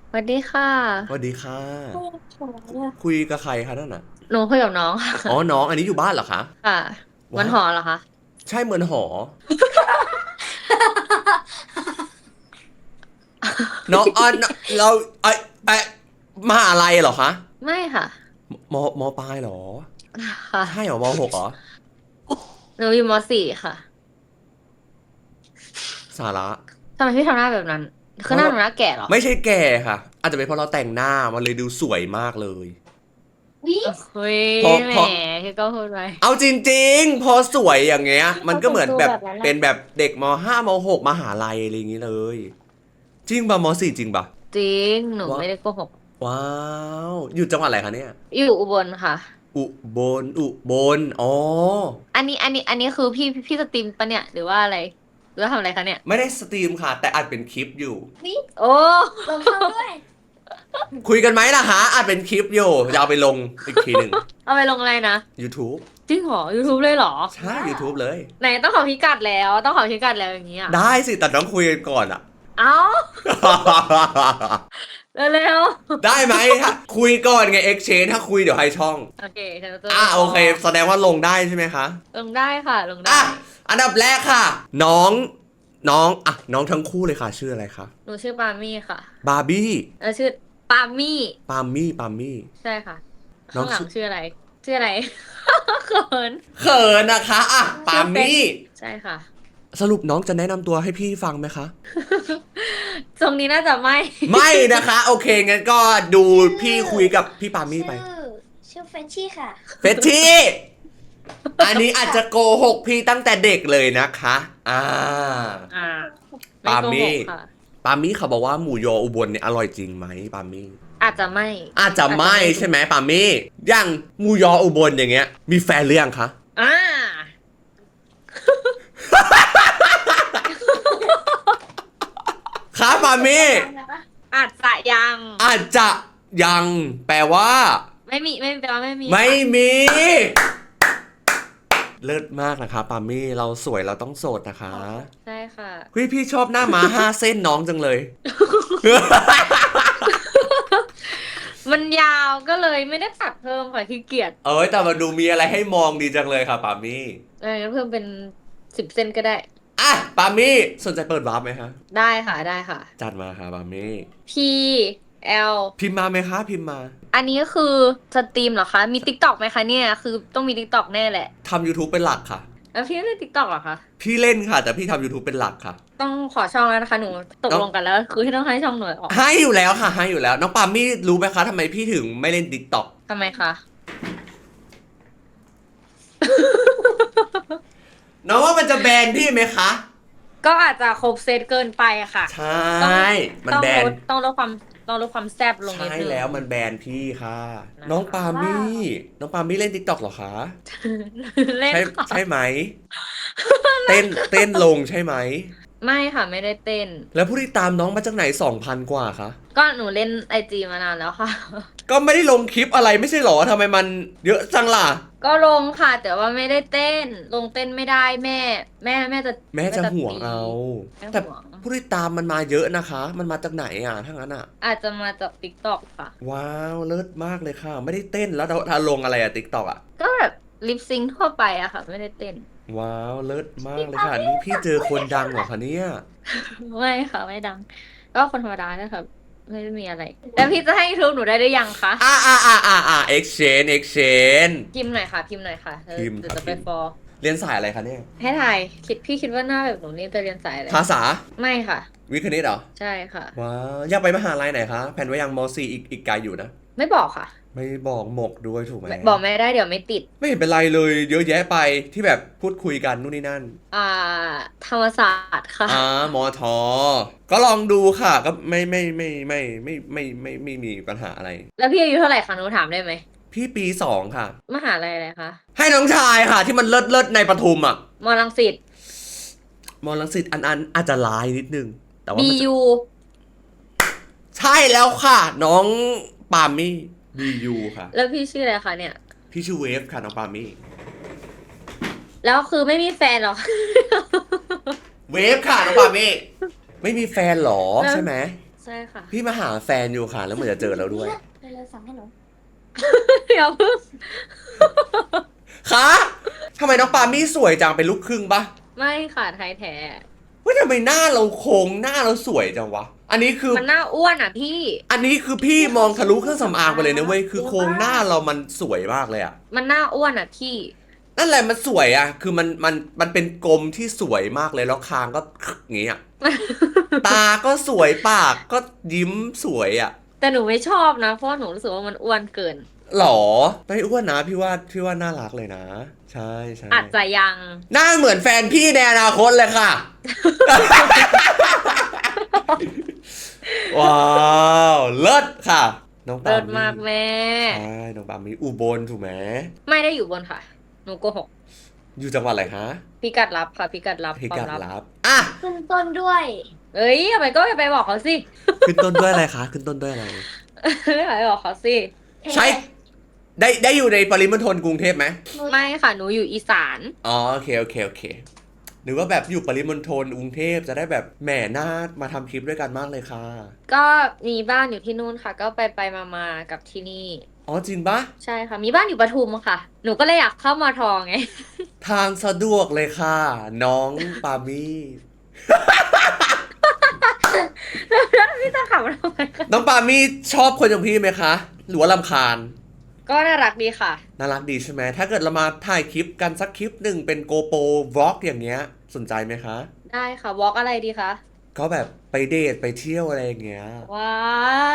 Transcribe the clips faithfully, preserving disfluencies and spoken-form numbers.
สวัสดีค่ะสวัสดีค่ะโอ้โหคุยกับใครคะนั่นน่ะหนูคุยกับน้องอ๋อค่ะน้องอันนี้อยู่บ้านเหรอคะค่ะมันว้าหอเหรอคะใช่เหมือนหอน้องอ่ะเราไอไอมหาลัยเหรอคะไม่ค่ะมมปลายเหรอค่ะใช่เหรอมหกเหรอหนูอยู่มสี่ค่ะสาระทำไมพี่ทำหน้าแบบนั้นเพราะเราคือหน้าหนูหน้าแก่เหรอไม่ใช่แก่ค่ะอาจจะเป็นเพราะเราแต่งหน้ามันเลยดูสวยมากเลยวิเฮ้ยพอแหมพอพี่ก็พูดไปเอาจริงๆพอสวยอย่างเงี้ยมันเขาก็เหมือนแต่งตัวแบบแบบนั้นนะเป็นแบบเด็กมห้ามหกมหาลัยอะไรอย่างงี้เลยจริงป่ะมสี่จริงป่ะจริงหนูว้าไม่ได้โกหกว้าวอยู่จังหวัดอะไรคะเนี่ยอยู่อุบลค่ะอุบลอุบลอ๋ออันนี้อันนี้อันนี้คือพี่พี่สตรีมปะเนี่ยหรือว่าอะไรหรือว่าทำอะไรคะเนี่ยไม่ได้สตรีมค่ะแต่อัดเป็นคลิปอยู่วิโอ้ลงช่องด้วยคุยกันไหมล่ะฮะอัดเป็นคลิปอยู่จะเอาไปลงอีกทีหนึ่งเอาไปลงอะไรนะ YouTube จริงเหรอ YouTube เลยเหรอใช่ YouTube เลยไหนต้องขอพิกัดแล้วต้องขอพิกัดแล้วอย่างนี้อ่ะได้สิแต่ต้องคุยกันก่อนอ่ะเอ้าเร็วได้ไหมถ้าคุยก่อนไง exchange ถ้าคุยเดี๋ยวให้ช่องๆโอเคฉันจะอ่ะโอรอเคแสดงว่าลงได้ใช่ไหมคะลงได้ค่ะลงได้อ่ะอันดับแรกค่ะน้องน้องอ่ะน้องทั้งคู่เลยค่ะชื่ออะไรคะหนูชื่อปามี่ค่ะบาร์บี้แล้วชื่อปามี่ปามี่ปามี่ใช่ค่ะข้างหลังน้องชื่อชื่ออะไรชื่ออะไรเขินเขินนะคะอ่ะปาชื่อเฟซมี่ใช่ค่ะสรุปน้องจะแนะนำตัวให้พี่ฟังไหมคะตรงนี้น่าจะไม่ไม่นะคะโอเคงั้นก็ดูชื่อพี่คุยกับพี่ปามี่ไปชื่อชื่อเฟรนชี่ค่ะเฟชชี่อันนี้อาจจะโกหกพี่ตั้งแต่เด็กเลยนะคะอ่าอ่าไม่โกหปามี่กค่ะปามี่เขาบอกว่าหมูยออุบลเนี่ยอร่อยจริงไหมปามี่อาจจะไม่อาจจะไม่ใช่ไหมปามี่อย่างหมูยออุบลอย่างเงี้ยมีแฟนหรือยังคะอ่าคะปามี่อาจจะยังอาจจะยังแปลว่าไม่มีไม่แปลว่าไม่มีไม่ค่ะมี เลิศมากนะคะปามี่เราสวยเราต้องโสดนะคะใช่ค่ะเฮ้ยพี่ชอบหน้าม้าห้าเส้นน้องจังเลยมันยาวก็เลยไม่ได้ตัดเพิ่มค่ะขี้เกียจเอ้ยแต่มาดูมีอะไรให้มองดีจังเลยค่ะปามี่เอองั้นเพิ่มเป็นสิบเส้นก็ได้อ่ะปามี่สนใจเปิดวาร์ปไหมคะได้ค่ะได้ค่ะจัดมาค่ะปามี่ P L พิมพ์มาไหมคะพิมพ์มาอันนี้ก็คือสตรีมเหรอคะมี TikTok ไหมคะเนี่ยคือต้องมี TikTok แน่แหละทำ YouTube เป็นหลักค่ะแล้วพี่เล่น TikTok เหรอคะพี่เล่นค่ะแต่พี่ทำ YouTube เป็นหลักค่ะต้องขอช่องแล้วนะคะหนูตกน้องลงกันแล้วคือให้ต้องให้ช่องหนูออกให้อยู่แล้วค่ะให้อยู่แล้วน้องปามี่รู้ไหมคะทำไมพี่ถึงไม่เล่น TikTok ทำไมคะน้องว่ามันจะแบนพี่ไหมคะก็อาจจะครบเซตเกินไปอะค่ะใชต้อง่มันต้องแบนลดต้องลดความต้องลดความแซ่บลงนิดใช่นึงแล้วมันแบนพี่ค่ะ น้องนะคะปาว้ามี่วน้องปามี่เล่นติ๊กต็อกเหรอคะเล่นใช่ค่ะใช่ไหมเต้นเต้นลงใช่ไหมไม่ค่ะไม่ได้เต้นแล้วผู้ที่ตามน้องมาจากไหนสองพันกว่าคะก็หนูเล่นไอจีมานานแล้วค่ะก็ไม่ได้ลงคลิปอะไรไม่ใช่หรอทำไมมันเยอะจังล่ะก็ลงค่ะแต่ว่าไม่ได้เต้นลงเต้นไม่ได้แม่แม่แม่จะแม่จะห่วงตีเอาแม่แต่ห่วงผู้ที่ตามมันมาเยอะนะคะ มันมาจากไหนอ่ะถ้างั้นอ่ะอาจจะมาจากติ๊กต็อกค่ะว้าวเลิศมากเลยค่ะ ไม่ได้เต้นแล้วถ้าลงอะไรอะติ๊กต็อกอะก็แบบลิปซิงทั่วไปอะค่ะไม่ได้เต้นว้าวเลิศมากเลยค่ะนี่พี่เจอคนดังเหรอคะเนี่ยไม่ค่ะไม่ดังก็คนธรรมดานะครับไม่ได้มีอะไรแล้วพี่จะให้ YouTube หนูได้หรือยังคะอ่าอ่าอ่าอ่าอ่า exchange exchange พิมพ์หน่อยค่ะพิมพ์หน่อยค่ะเดี๋ยวพิมพ์เดี๋ยวจะไปค่ะพิมพ์ฟอลเรียนสายอะไรคะเนี่ยให้ถ่ายคิดพี่คิดว่าหน้าแบบหนูนี่จะเรียนสายอะไรภาษาไม่ค่ะวิทย์คณิตเหรอใช่ค่ะว้าวอยากไปมหาลัยไหนคะแผนไว้ยังม .สี่ อีกอีกไกลอยู่นะไม่บอกค่ะไม่บอกหมกด้วยถูกไหมบอกไม่ได้เดี๋ยวไม่ติดไม่เห็นเป็นไรเลยเยอะแยะไปที่แบบพูดคุยกันนู่นนี่นั่นอ่าธรรมศาสตร์ค่ะอ่ามอทอก็ลองดูค่ะก็ไม่ไม่ไม่ไม่ไม่ไม่ไม่ไม่มีปัญหาอะไรแล้วพี่อายุเท่าไหร่คะหนูถามได้ไหมพี่ปีสองค่ะมหาลัยอะไรคะให้น้องชายค่ะที่มันเลิศเลิศในปทุมอ่ะมอรังสิตมอลังสิตอันอันอาจจะลายนิดนึงแต่ว่ามันจะบี ยูใช่แล้วค่ะ น้องปามี่บียูค่ะแล้วพี่ชื่ออะไรคะเนี่ยพี่ชื่อเวฟค่ะน้องปามี่แล้วคือไม่มีแฟนหรอเวฟค่ะน้องปามี่ไม่มีแฟนหรอแล้วใช่ไหมใช่ค่ะพี่มาหาแฟนอยู่ค่ะ แล้วเหมือนจะเจอแล้วด้วยเร็วๆสั่งให้หนูเดี๋ยวเพิ่งคะทำไมน้องปามี่สวยจังเป็นลูกครึ่งปะไม่ค่ะไทยแท้เฮ้ยทำไมหน้าเราโค้งหน้าเราสวยจังวะ อันนี้คือมันหน้าอ้วนอ่ะพี่อันนี้คือพี่มองทะลุเครื่องสำอางไปเลยนะเว้ย คือโครงหน้าเรามันสวยมากเลยอะมันหน้าอ้วนอ่ะพี่นั่นแหละมันสวยอะคือมันมันมันเป็นกลมที่สวยมากเลยแล้วคางก็อย่างงี้อะ ตาก็สวยปากก็ยิ้มสวยอะแต่หนูไม่ชอบนะ เพราะว่าหนูรู้สึกว่ามันอ้วนเกินหรอไม่อ้วนนะพี่ว่าพี่ว่าน่ารักเลยนะ ใช่ใช่อาจจะยังหน้าเหมือนแฟนพี่ในอนาคตเลยค่ะ ว้าวเลิศค่ะ น้องปาเลิล์ศมากแม่ใช่น้องปาล์มมีอุบลถูกไหมไม่ได้อยู่บนค่ะ หนูโกหกอยู่จังหวัดอะไรคะพิกัดลับค่ะพิกัดลับพิควากัมดลับลับอ่ะขึ้นต้นด้วยเอ้ยทำไมก็ไปบอกเขาสิขึ้นต้นด้วยอะไรคะขึ้นต้นด้วยอะไรไปบอกเขาสิใช่ได้ได้อยู่ในปริมณฑลกรุงเทพไหมไม่ค่ะ หนูอยู่อีสานอ๋อโอเคโอเคโอเคหรือว่าแบบอยู่ปริมณฑลกรุงเทพจะได้แบบแหม่หน้ามาทำคลิปด้วยกันมากเลยค่ะก็มีบ้านอยู่ที่นู่นค่ะ ก็ไปไปมามากับที่นี่อ๋อจริงปะใช่ค่ะ มีบ้านอยู่ปทุมค่ะ หนูก็เลยอยากเข้ามาทองไงทางสะดวกเลยค่ะ น้องปามี่แล้วพี่จะขับมาทำไมคะน้องปามี่ชอบคนอย่างพี่ไหมคะ หรือว่ารำคาญก็น่ารักดีค่ะน่ารักดีใช่ไหม ถ้าเกิดเรามาถ่ายคลิปกันสักคลิปหนึ่งเป็นโกโปรวอล์กอย่างเงี้ย สนใจไหมคะได้ค่ะวอล์กอะไรดีคะก็แบบไปเดทไปเที่ยวอะไรอย่างเงี้ยว้าย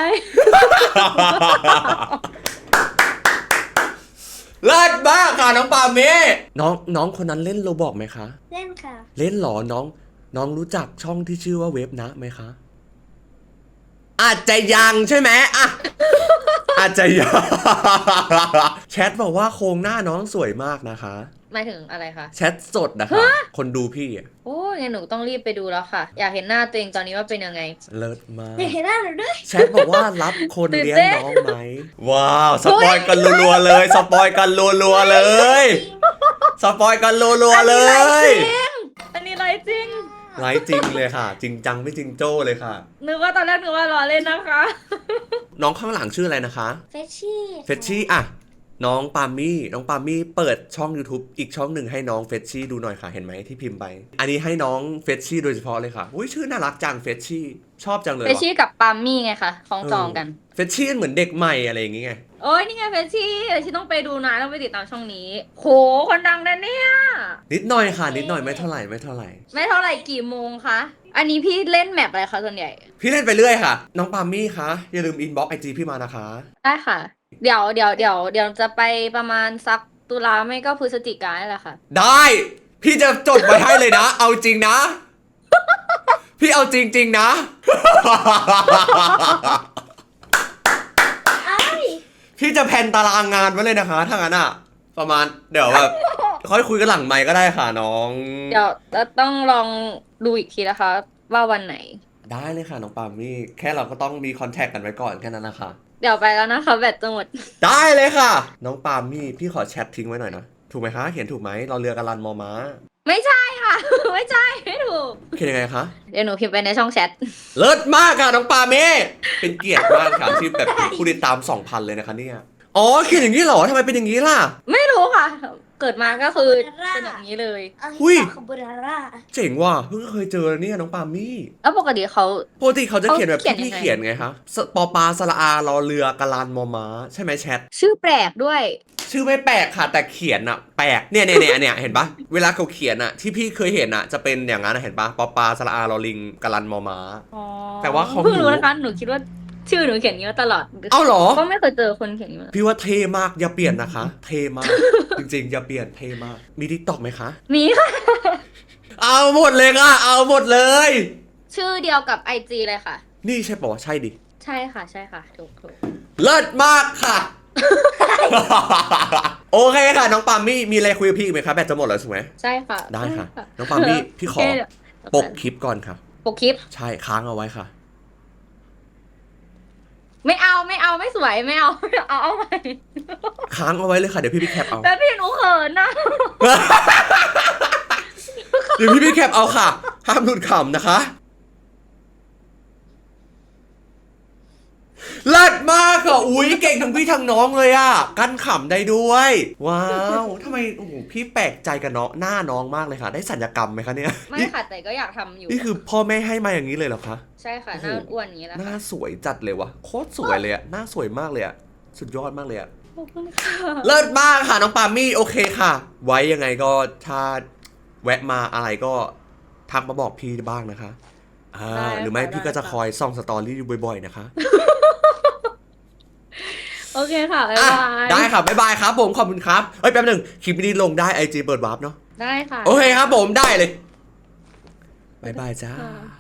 เลิศมากค่ะน้องปาเมน้องน้องคนนั้นเล่นโรบอกไหมคะเล่นค่ะเล่นเหรอน้อง น้องรู้จักช่องที่ชื่อว่าเว็บนะไหมคะ อาจจะยังใช่ไหมอ่ะ อาจจะยัง แชทบอกว่าโครงหน้าน้องสวยมากนะคะหมายถึงอะไรคะแชทสดนะคะ คนดูพี่อะโอ้ยงั้นหนูต้องรีบไปดูแล้วค่ะ อยากเห็นหน้าตัวเองตอนนี้ว่าเป็นยังไงเลิศมากอยากเห็นหน้าหนูด้วยแชทบอกว่ารับคนตื่นเลี้ยงเต้นน้องไหม ว้าว สปอยกันรัวๆเลย สปอยกันรัวๆเลย สปอยกันรัวๆเลยอันนี้ไรจริงไลฟ์จริงเลยค่ะ จริงจังไม่จริงโจ้เลยค่ะนึกว่าตอนแรกนึกว่าล้อเล่นนะคะน้องข้างหลังชื่ออะไรนะคะเฟชชี่เฟชชี่อะน้องปามี่น้องปามี่เปิดช่อง YouTube อีกช่องหนึ่งให้น้องเฟชชี่ดูหน่อยค่ะเห็นไหมที่พิมพ์ไป อันนี้ให้น้องเฟชชี่โดยเฉพาะเลยค่ะอุ้ยชื่อน่ารักจังเฟชชี่ชอบจังเลยเฟชชี่กับปาล์มมี่ไงคะคล้องจองกันเฟชชี่เหมือนเด็กใหม่อะไรอย่างเงี้ยโอ้ยนี่ไงเฟชชี่เฟชชี่ต้องไปดูนะต้องไปติดตามช่องนี้ โหคนดังนะเนี่ยนิดหน่อยค่ะ นิดหน่อยไม่เท่าไหร่ไม่เท่าไหร่ไม่เท่าไหร่กี่โมงคะ อันนี้พี่เล่นแมปอะไรคะส่วนใหญ่พี่เล่นไปเรื่อยค่ะ น้องปามี่คะอย่าลืมอินบ็อกไอจีพี่มานะคะได้ค่ะ เดี๋ยวเดี๋ยวเดี๋ยวเดี๋ยวจะไปประมาณสักตุลาไม่ก็พฤศจิกายนแหละค่ะได้ พี่จะจดไว้ให้เลยนะ เอาจริงนะ พี่เอาจริงจริงๆนะไอ้พี่จะแพลนตารางงานไว้เลยนะคะถ้างั้นอะประมาณเดี๋ยวแบบค่อยคุยกันหลังไมค์ก็ได้ค่ะน้องเดี๋ยวเราต้องลองดูอีกทีนะคะ ว่าวันไหนได้เลยค่ะน้องปามี่แค่เราก็ต้องมีคอนแทคกันไว้ก่อนแค่นั้นนะคะเดี๋ยวไปแล้วนะคะแบตจะหมดได้เลยค่ะ น้องปามี่พี่ขอแชททิ้งไว้หน่อยนะถูกไหมคะเขียนถูกไหมเราเรือกันลันมอม้าไม่ใช่ค่ะ ไม่ใช่ไม่ถูกเขียนยังไงคะเดี๋ยวหนูพิมพ์ไปในช่องแชทเลิศมากค่ะน้องปาเม่เป็นเกียรติมากค่ะที่แบบผู้ติดตาม สองพัน เลยนะคะเนี่ยอ๋อเขียนอย่างนี้เหรอทำไมเป็นอย่างนี้ล่ะไม่รู้ค่ะ เกิดมาก็คือเป็นอย่างนี้เลยเอาอุ้ยคาโบนาร่าเจ๋งว่ะเพิ่งเคยเจอเนี่ยน้องปามี่แล้วปกติเขาปกติเขาจะเขียนแบบเขาเขียนที่พี่ยังไงเขียนไงคะสปอปลาสระอารอเรือกะลานมอม้าใช่ไหมแชทชื่อแปลกด้วยชื่อไม่แปลกค่ะ แต่เขียนอะแปลกเนี่ยเนี่ยเนี่ยเนี่ยเห็นปะเวลาเขาเขียนอะที่พี่เคยเห็นอะจะเป็นอย่างนั้นอะเห็นปะปอปลาสระอารอลิงกะลันมอม้าอ๋อแต่ว่าของเพิ่งหนูรู้นะคะ หนูคิดว่าชื่อหนูเขียนอย่างนี้มาตลอดเอ้าเหรอก็ไม่เคยเจอคนเขียนอย่างนี้มาพี่ว่าเท่มากอย่าเปลี่ยนนะคะ เท่มาก จริงๆอย่าเปลี่ยนเท่มากมีทิกตอกไหมคะมีค่ะเอาหมดเลยค่ะเอาหมดเลยชื่อเดียวกับไอจีเลยค่ะนี่ใช่ปะวะใช่ดิใช่ค่ะ ใช่ค่ะ ถูกถูกเลิศมากค่ะ โอเคค่ะ น้องปามี่มีอะไรคุยกับพี่อีกไหมคะแบตจะหมดแล้วถูกไหมใช่ค่ะได้ค่ะ น้องปามี่พี่ขอโเคปกคลิปก่อนค่ะปกคลิปใช่ค้างเอาไว้ค่ะไม่เอาไม่เอาไม่สวยไม่เอาไม่เอาเอาใหม่ค้างเอาไว้เลยค่ะเดี๋ยวพี่พี่แคปเอาแต่พี่หนูเขินนะเดี๋ยวพี่พี่แคปเอาค่ะ ห้ามหลุดขำนะคะอุ้ยเก่งทั้งพี่ทั้งน้องเลยอ่ะกั้นขำได้ด้วย ว้าวทำไมโอ้โหพี่แปลกใจกับน้องหน้าน้องมากเลยค่ะ ได้สัญญกรรมไหมคะเนี่ยไม่ค่ะแต่ก็อยากทำอยู่นี่คือพ่อแม่ให้มาอย่างนี้เลยเหรอคะใช่ค่ะโอ้หโหน้าอ้วนอย่างนี้แหละหน้าค่ะสวยจัดเลยวะโคตรสวยเลยอะหน้าสวยมากเลยอะสุดยอดมากเลยอะขอบคุณค่ะเลิศมากค่ะน้องปามี่โอเคค่ะ ไว้ยังไงก็ถ้าแวะมาอะไรก็ทักมาบอกพี่บ้างนะคะอ่าได้ค่ะหรือไม่พี่ก็จะได้ค่ะคอยส่องสตอรี่อยู่บ่อยๆนะคะโอเคค่ะบ๊ายอ่ะบายได้ค่ะบ๊ายบายครับผมขอบคุณครับเอ้ยแป๊บหนึงคลิปนี้ลงได้ไอจีเปิดวาร์ปเนาะได้ค่ะโอเคครับผมได้เลยบ๊ายบายจ้าค่ะ